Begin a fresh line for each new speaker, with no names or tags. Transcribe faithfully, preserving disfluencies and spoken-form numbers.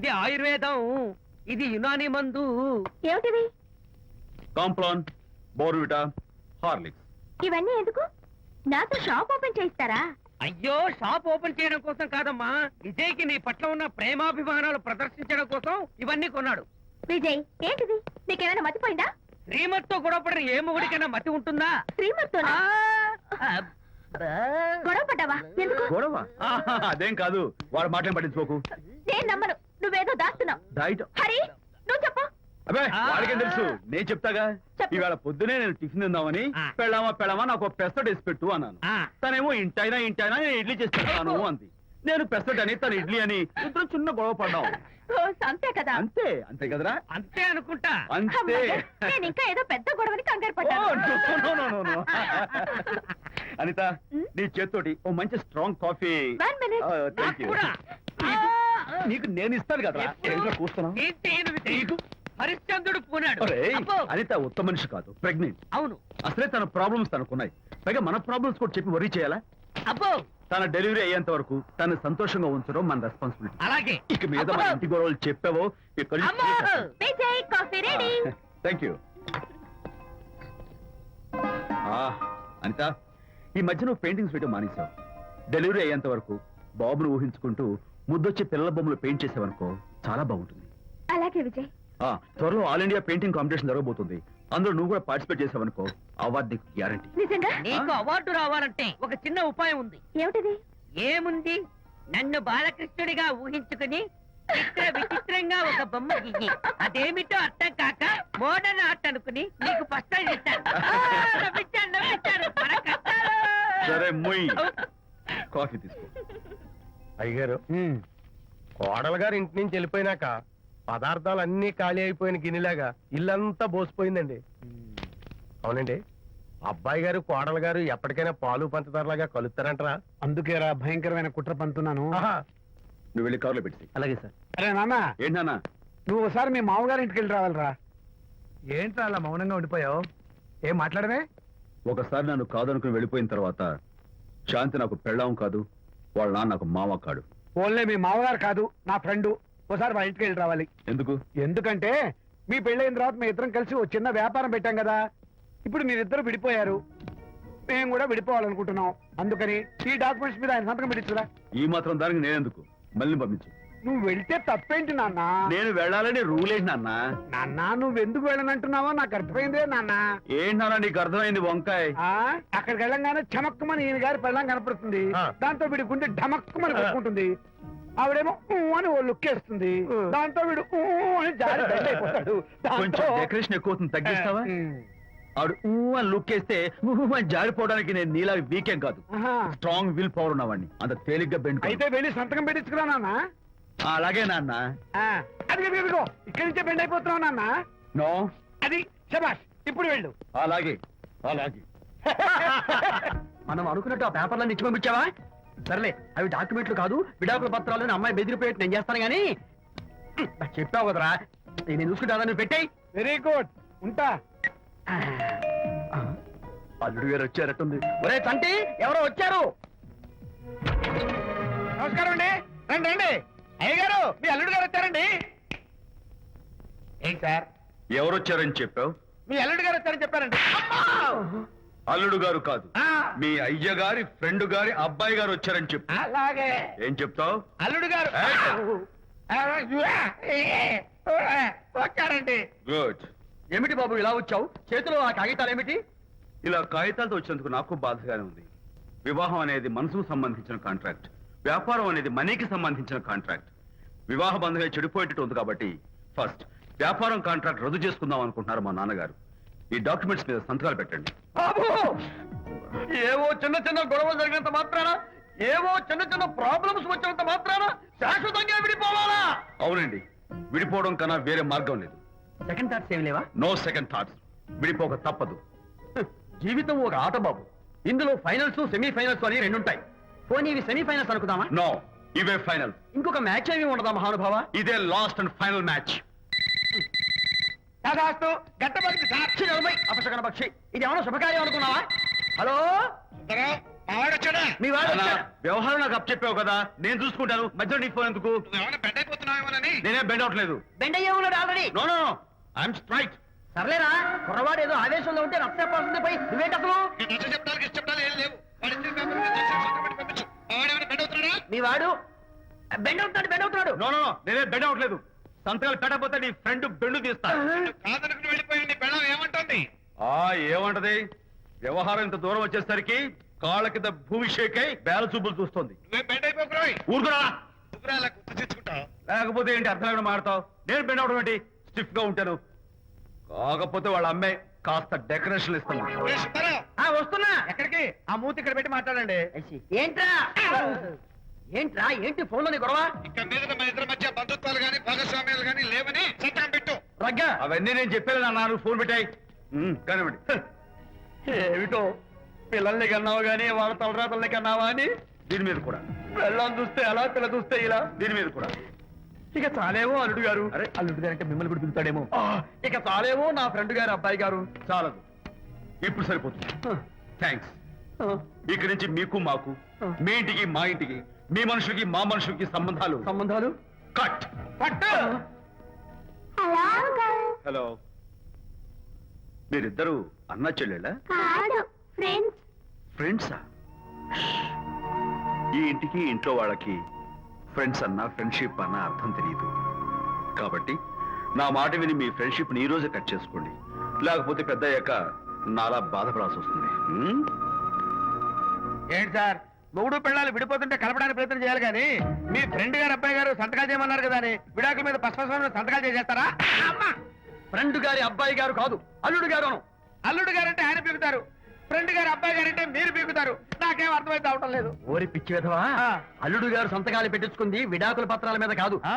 ఇది ఆయుర్వేదం, ఇది యునాని మందు.
ఏమిటివి?
Complan, Bournvita, Horlicks.
ఇవన్నీ ఎందుకు? నాతో షాప్ ఓపెన్ చేయిస్తారా?
అయ్యో, షాప్ ఓపెన్ చేయడం కోసం కాదమ్మా, విజయ్కి నీ పట్ల ఉన్న ప్రేమాభిమానాలు ప్రదర్శించడం కోసం ఇవన్నీ కొన్నాడు.
విజయ్, ఏంటిది? నీకేమైనా మతిపోయిందా?
శ్రీమతితో గొడవపడిన ఏ మొగుడికైనా మతి ఉంటుందా?
శ్రీమతితో గొడవ పడ్డావా? ఎందుకు
గొడవ? ఆహా, అదేం కాదు. వాడు మాటలు పట్టించుకోకు.
నేను నమ్మను. నువ్వేదో దాస్తున్నావు.
డైట్.
హరి, నువ్వు చెప్పు.
అబ్బే, వాడికేం తెలుసు, నేను చెప్తాగా.
చెప్పు.
ఈవేళ పొద్దునే నేను టిఫిన్ తిందామని
ఆ.
పెళ్ళామా పెళ్ళామా నాకు పెసట్ వేసి పెట్టు అన్నాను.
ఆ.
తనేమో ఇంటైనా ఇంటైనా నేను ఇడ్లీ చేసి పెడతాను అంది. నేను పెసట్ అని తను ఇడ్లీ అని ఇద్దరు చిన్న గొడవ పడ్డాం.
ఓ, అంతే కదా?
అంతే అంతే కదరా?
అంతే అనుకుంటా.
అంతే.
అమ్మయ్య, నేను ఇంకా ఏదో పెద్ద గొడవని కంగారు
ఓ,
పడ్డాను.
no, no, no, no, no. Anitha, నీ చేత్తోటి ఓ మంచి strong coffee.
One minute.
Thank you.
కూడా.
నీకు నేను ఇస్తాను కదా. కూస్తున్నావు.
ఏంటి ఈయన విజయ్? హరిశ్చంద్రుడు పూనాడు. అబ్బో.
అనిత ఉత్తమ మనిషి కాదు, ప్రెగ్నెంట్.
అవును.
అసలే తన ప్రాబ్లమ్స్ తనకున్నాయి. పైగా మన ప్రాబ్లమ్స్ కూడా చెప్పి వరీ చేయాలా?
అబ్బో,
తన డెలివరీ అయ్యేంత వరకు తను సంతోషంగా ఉంచడం మన రెస్పాన్సిబిలిటీ.
అలాగే.
ఇక మీద మన ఇంటి గొడవలు చెప్పావో ఇక్కడ.
అమ్మో.
Vijay, coffee ready.
Thank you. Anitha, ఈ మధ్య నువ్వు పెయింటింగ్స్ వేయడం మానేశావు. డెలివరీ అయ్యేంత వరకు బాబును ఊహించుకుంటూ ముద్దొచ్చి పిల్లల బొమ్మలు పెయింట్ చేసావనుకో, చాలా బాగుంటుంది.
అలాగే విజయ్.
ఆ, త్వరలో ఆల్ ఇండియా పెయింటింగ్ కాంపిటీషన్ జరగబోతుంది. అందులో నువ్వు కూడా పార్టిసిపేట్ చేసావనుకో, అవార్డు నీకు గ్యారంటీ.
నిజంగా?
నీకు అవార్డు రావాలంటే ఒక చిన్న ఉపాయం ఉంది.
ఏమిటిది?
ఏముంది? నన్ను బాలకృష్ణుడిగా ఊహించుకుని చిత్ర విచిత్రంగా ఒక బొమ్మ గీయి. అదేమిటో అర్థం కాక మోడర్న్ ఆర్ట్ అనుకుని నీకు ఫస్ట్ ఇస్తాను. నవ్వించాను, నవ్వించాను. మన కష్టాలు.
సరే, మొయ్. కాఫీ తీసుకో.
అయ్యగారు, కోడలు గారు ఇంటి నుంచి వెళ్ళిపోయినాక పదార్థాలు అన్ని ఖాళీ అయిపోయిన గిన్నెలాగా ఇల్లంతా బోసిపోయిందండి. అవునండి, అబ్బాయి గారు కోడలు గారు ఎప్పటికైనా పాలు పంచదారలాగా కలుస్తారంటరా?
అందుకేరా భయంకరమైన కుట్ర పంతున్నాను.
నువ్వు వెళ్ళి కారులో పెట్టి.
అలాగే సార్. అరే నాన్న,
ఏంటన్నా?
నువ్వు ఒకసారి మీ మామగారి ఇంటికి వెళ్ళి రావాలిరా.
ఏంట్రా అలా మౌనంగా ఉండిపోయావు? ఏం మాట్లాడమే?
ఒకసారి నన్ను కాదనుకుని వెళ్ళిపోయిన తర్వాత శాంతి నాకు పెళ్ళాం కాదు, వాళ్ళ నాన్న నాకు మామ కాడు.
ఓన్లే మీ మామగారు కాదు, నా ఫ్రెండ్. ఒకసారి మా ఇంటికి వెళ్ళి రావాలి.
ఎందుకు?
ఎందుకంటే మీ పెళ్ళైన తర్వాత మీ ఇద్దరం కలిసి ఒక చిన్న వ్యాపారం పెట్టాం కదా. ఇప్పుడు మీరిద్దరు విడిపోయారు, మేము కూడా విడిపోవాలనుకుంటున్నాం. అందుకని ఈ డాక్యుమెంట్స్ మీద ఆయన సంతకం పెట్టించురా.
ఈ మాత్రం దానికి నేనెందుకు? మళ్ళీ పంపించు.
నువ్వు వెళ్తే తప్పేంటి నాన్న?
నేను వెళ్ళాలని రూల్ ఏంటి నాన్న?
నాన్న, నువ్వు ఎందుకు వెళ్ళనంటున్నావో నాకు అర్థమైందే నాన్న.
ఏంటి నాన్న నీకు అర్థమైంది వంకాయ?
ఆ అక్కడికి వెళ్ళంగానే చమక్కుమని ఈయన గారి పెళ్ళం కనపడుతుంది. దాంతో వీడి గుండె ఢమక్కుమని కొట్టుకుంటుంది. ఆవిడేమో ఊ అని ఓ లుక్ వేస్తుంది. దాంతో వీడు ఊ అని జారి బెడ్ అయిపోతాడు.
కొంచెం డెకరేషన్ ఎక్కువ అవుతుంది, తగ్గిస్తావా? ఆవిడ ఊ అని లుక్ వేస్తే ఊ అని జారిపోవడానికి నేను నీలా వీకేం కాదు, స్ట్రాంగ్ విల్ పవర్ ఉన్నవాడిని. అంత తేలిగ్గా బెండ్.
అయితే వెళ్ళి సంతకం పెట్టించుకురా నాన్న.
అలాగే నాన్న.
అది ఇదిగో ఇక్కడి నుంచే బెండ్ అయిపోతున్నావు నాన్న.
నో,
అది శబాష్. ఇప్పుడు వెళ్ళు.
అలాగే అలాగే.
మనం అనుకున్నట్టు ఆ పేపర్లను ఇచ్చి పంపించావా? సర్లే, అవి డాక్యుమెంట్లు కాదు, విడాకుల పత్రాలు. అమ్మాయి బెదిరిపోయేట్టు నేను చేస్తాను గానీ చెప్పావు కదరా, నేను చూసుకుంటా. నువ్వు పెట్టాయి. వెరీ గుడ్, ఉంటా. అల్లుడు గారు వచ్చారట్టుంది. ఒరే తంటి, ఎవరో వచ్చారు. నమస్కారం అండి. రండి రండి. అయ్య గారు, మీ అల్లుడు గారు వచ్చారండి. ఏంటి సార్?
ఎవరు వచ్చారని చెప్పావు?
మీ అల్లుడు గారు వచ్చారని చెప్పారండి.
అల్లుడు గారు కాదు, మీ అయ్య గారి ఫ్రెండ్ గారి అబ్బాయి గారు వచ్చారని చెప్పు.
అలాగే.
ఏం చెప్తావు?
అల్లుడు గారు వచ్చారండి.
గుడ్.
ఏమిటి బాబు ఇలా వచ్చావు? చేతిలో ఆ కాగితాలు ఏమిటి?
ఇలా కాగితాలతో వచ్చినందుకు నాకు బాధగానే ఉంది. వివాహం అనేది మనసుకు సంబంధించిన కాంట్రాక్ట్, వ్యాపారం అనేది మనీకి సంబంధించిన కాంట్రాక్ట్. వివాహ బంధంగా చెడిపోయేటట్టు ఉంది కాబట్టి ఫస్ట్ వ్యాపారం కాంట్రాక్ట్ రద్దు చేసుకుందాం అనుకుంటున్నారు మా నాన్నగారు. ఈ డాక్యుమెంట్స్ మీద సంతకాలు పెట్టండి.
బాబు, ఏవో చిన్న చిన్న గొడవలు జరిగినంత మాత్రాన, ఏవో చిన్న చిన్న ప్రాబ్లమ్స్ వచ్చినంత మాత్రాన శాశ్వతంగా విడిపోవాలా?
అవునండి, విడిపోవడం కన్నా వేరే మార్గం లేదు.
సెకండ్ థాట్స్ ఏమి లేవా?
No second thoughts. విడిపోక తప్పదు.
జీవితం ఒక ఆట బాబు. ఇందులో ఫైనల్స్, సెమీఫైనల్స్ అని రెండు ఉంటాయి. పోనీ ఇవి సెమీఫైనల్స్ అనుకుందామా?
నో, ఇవే ఫైనల్.
ఇంకొక మ్యాచ్ ఏమి ఉండదా మహానుభావ?
ఇదే లాస్ట్ అండ్ ఫైనల్ మ్యాచ్.
గట్టబడి సాక్షి నలభై అపశకన పక్షి. ఇది ఏమన్నా శుభకార్యం అనుకున్నావా? హలో, మీ వాడు
వ్యవహారం నాకు అప్ చెప్పావు కదా, నేను చూసుకుంటాను. మధ్యలో నీకు ఫోన్ ఎందుకు?
అవుతున్నావేమోనని.
నేనేం బెండ్ అవట్లేదు.
బెండ్ అయ్యే ఉన్నాడు already.
No no I'm straight.
సర్లేరా కుర్రవాడు ఏదో ఆవేశంలో ఉంటే రక్తపోతుంది పోయి నువ్వేంటి అసలు
నీకు నచ్చ చెప్పడానికి ఇష్ట చెప్పడాలు ఏం లేవు. వాడి ఇద్దరి పేపర్ మీద రాసి సంతకం పెట్టి పంపించు. వాడేమైనా బెడ్ అవుతున్నాడా?
మీ వాడు బెండ్ అవుతున్నాడు బెండ్ అవుతున్నాడు
నో నో నేనేం బెండ్ అవట్లేదు. సంతకాలు పెట్టకపోతే నీ ఫ్రెండ్ బెండు తీస్తా.
కాదనుకుని వెళ్ళిపోయి నీ బెళ్ళం ఏమంటుంది?
ఆ ఏమంటది? వ్యవహారం ఇంత దూరం వచ్చేసరికి కాళ్ళ కింద భూమి షేక్ అయి బేల చూపులు చూస్తుంది.
నువ్వే బెడ్ అయిపోకురాయి.
ఊరుకురా.
నువ్వురా అలా గుర్తు తెచ్చుకుంటావు.
లేకపోతే ఏంటి అర్థం లేకుండా మాడతావు? నేను బెండ్ అవడం ఏంటి? స్టిఫ్ గా ఉంటాను. కాకపోతే వాళ్ళ అమ్మాయి కాస్త డెకరేషన్ ఇస్తాను.
ఏ సుబ్బారావు,
ఆ వస్తున్నా
ఎక్కడికి? ఆ మూతి ఇక్కడ పెట్టి మాట్లాడండి.
ఏంట్రా ఏంట్రా ఏంటి ఫోన్ లోని గొడవ
ఇక మీద మన ఇద్దరి మధ్య బంధుత్వాలు గాని భాగస్వామ్యాలు గాని లేవని సంతకం పెట్టు.
రగ్గా
అవన్నీ నేను చెప్పాను అన్నారు. ఫోన్ పెట్టాయి కానివ్వండి.
ఏమిటో పిల్లల్ని కన్నావు గానీ వాళ్ళ తలరాతల్ని కన్నావా అని.
దీని మీద కూడా,
పిల్లల్ని చూస్తే అలా పిల్ల చూస్తే ఇలా.
దీని మీద కూడా.
ఇక చాలేమో అల్లుడు గారు.
అరే
అల్లుడు గారు అంటే మిమ్మల్ని కూడా పిలుతాడేమో
ఆ, ఇక చాలేమో నా ఫ్రెండ్ గారు అబ్బాయి గారు.
చాలదు, ఇప్పుడు సరిపోతుంది. థ్యాంక్స్. ఇక్కడి నుంచి మీకు మాకు, మీ ఇంటికి మా ఇంటికి, మీ మనుషులకి మా మనుషులకి సంబంధాలు
సంబంధాలు
కట్.
పట్టు.
Hello uncle.
హలో, మీరిద్దరు అన్నా చెల్లెళ్ళా?
కాదు ఫ్రెండ్స్.
ఫ్రెండ్సా? ఈ ఇంటికి ఇంట్లో వాళ్ళకి ఫ్రెండ్స్ అన్న ఫ్రెండ్షిప్ అన్న అర్థం తెలియదు. కాబట్టి నా మాట విని మీ ఫ్రెండ్షిప్ ని ఈ రోజే కట్ చేసుకోండి. లేకపోతే పెద్ద అయ్యాక నాలా బాధపడాల్సి వస్తుంది. హ్మ్?
ఏంటి సార్ మొగుడు పిల్లలు విడిపోతుంటే కలపడానికి ప్రయత్నం చేయాలి కానీ మీ ఫ్రెండ్ గారు అబ్బాయి గారు సంతకాలు చేయమన్నారు కదా అని విడాకుల మీద పశ్చిమ సంతకాలు చేసేస్తారా?
ఫ్రెండ్ గారి అబ్బాయి గారు కాదు అల్లుడు గారు
అల్లుడు గారంటే ఆయన పీకుతారు, ఫ్రెండ్ గారు అబ్బాయి గారంటే మీరు పీకుతారు. నాకేం అర్థమైతే అవటం లేదు.
ఓరి పిచ్చి విధవా అల్లుడు గారు సంతకాలు పెట్టించుకుంది విడాకుల పత్రాల మీద కాదు